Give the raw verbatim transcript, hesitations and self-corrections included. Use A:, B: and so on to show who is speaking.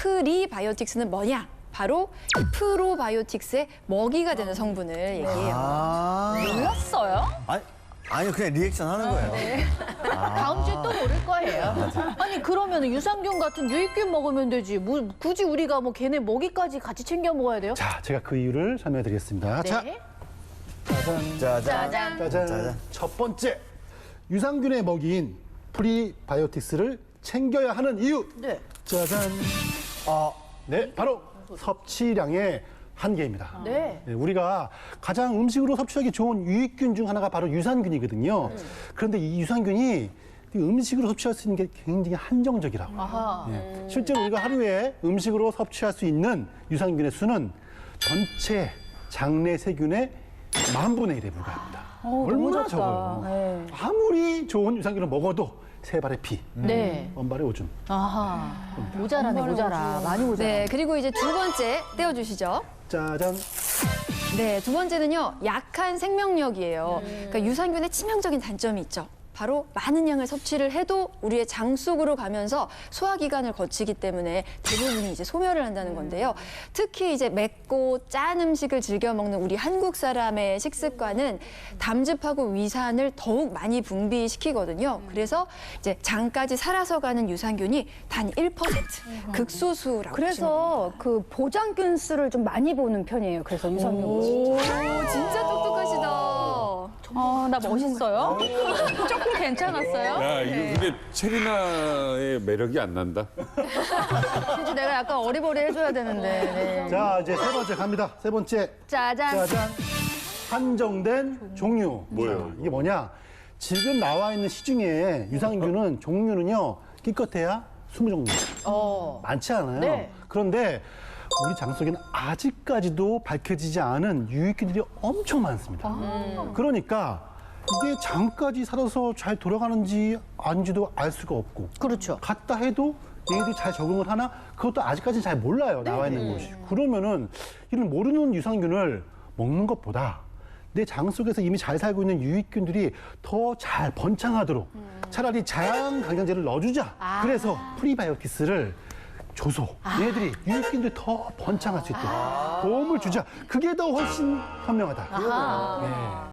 A: 프리바이오틱스는 뭐냐? 바로 프로바이오틱스의 먹이가 되는 성분을 얘기해요.
B: 아,
C: 몰랐어요?
B: 아니, 아니 그냥 리액션 하는 거예요.
C: 다음 주에 또 모를 거예요. 아니 그러면 유산균 같은 유익균 먹으면 되지. 뭐 굳이 우리가 뭐 걔네 먹이까지 같이 챙겨 먹어야 돼요?
D: 자, 제가 그 이유를 설명해 드리겠습니다. 자,
C: 네.
D: 짜잔.
B: 짜잔.
C: 짜잔.
D: 짜잔.
B: 짜잔.
D: 첫 번째, 유산균의 먹이인 프리바이오틱스를 챙겨야 하는 이유.
C: 네.
D: 짜잔.
B: 어,
D: 네, 바로 섭취량의 한계입니다.
C: 네.
D: 네, 우리가 가장 음식으로 섭취하기 좋은 유익균 중 하나가 바로 유산균이거든요. 그런데 이 유산균이 이 음식으로 섭취할 수 있는 게 굉장히 한정적이라고.
C: 아하.
D: 예. 실제로 우리가 하루에 음식으로 섭취할 수 있는 유산균의 수는 전체 장내 세균의 만 분의 일에 불과합니다. 얼마나
C: 너무 작다.
D: 적어요.
C: 네.
D: 아무리 좋은 유산균을 먹어도 세 발의 피,
C: 네.
D: 원발의 오줌.
C: 아하. 모자라네, 모자라. 많이 모자라.
A: 네, 그리고 이제 두 번째 떼어주시죠.
D: 짜잔.
A: 네, 두 번째는요, 약한 생명력이에요. 그러니까 유산균의 치명적인 단점이 있죠. 바로 많은 양을 섭취를 해도 우리의 장 속으로 가면서 소화기관을 거치기 때문에 대부분이 이제 소멸을 한다는 건데요. 특히 이제 맵고 짠 음식을 즐겨 먹는 우리 한국 사람의 식습관은 담즙하고 위산을 더욱 많이 분비시키거든요. 그래서 이제 장까지 살아서 가는 유산균이 단 일 퍼센트, 극소수라고 보시면
E: 그래서 그 보장균 수를 좀 많이 보는 편이에요. 그래서 유산균.
A: 오, 진짜 똑똑하시다.
C: 아, 나 멋있어요? 조금 괜찮았어요?
F: 야, 이거
C: 네.
F: 근데 체리나의 매력이 안 난다.
C: 진짜 내가 약간 어리버리 해줘야 되는데. 네.
D: 자, 이제 세 번째 갑니다. 세 번째.
C: 짜잔.
D: 짜잔. 한정된 종류.
F: 뭐예요?
D: 자, 이게 뭐냐? 지금 나와 있는 시중에 유산균은 종류는요, 기껏해야 스무 종류.
C: 어.
D: 많지 않아요.
C: 네.
D: 그런데 우리 장 속에는 아직까지도 밝혀지지 않은 유익균들이 엄청 많습니다. 그러니까 이게 장까지 살아서 잘 돌아가는지 아닌지도 알 수가 없고,
C: 그렇죠.
D: 갔다 해도 얘네들이 잘 적응을 하나? 그것도 아직까지는 잘 몰라요, 나와 있는 것이. 그러면은 이런 모르는 유산균을 먹는 것보다 내 장 속에서 이미 잘 살고 있는 유익균들이 더 잘 번창하도록 차라리 장 강장제를 넣어주자. 그래서 프리바이오틱스를 줘서 얘네들이 유익균들이 더 번창할 수 있도록 도움을 주자. 그게 더 훨씬 현명하다. 네.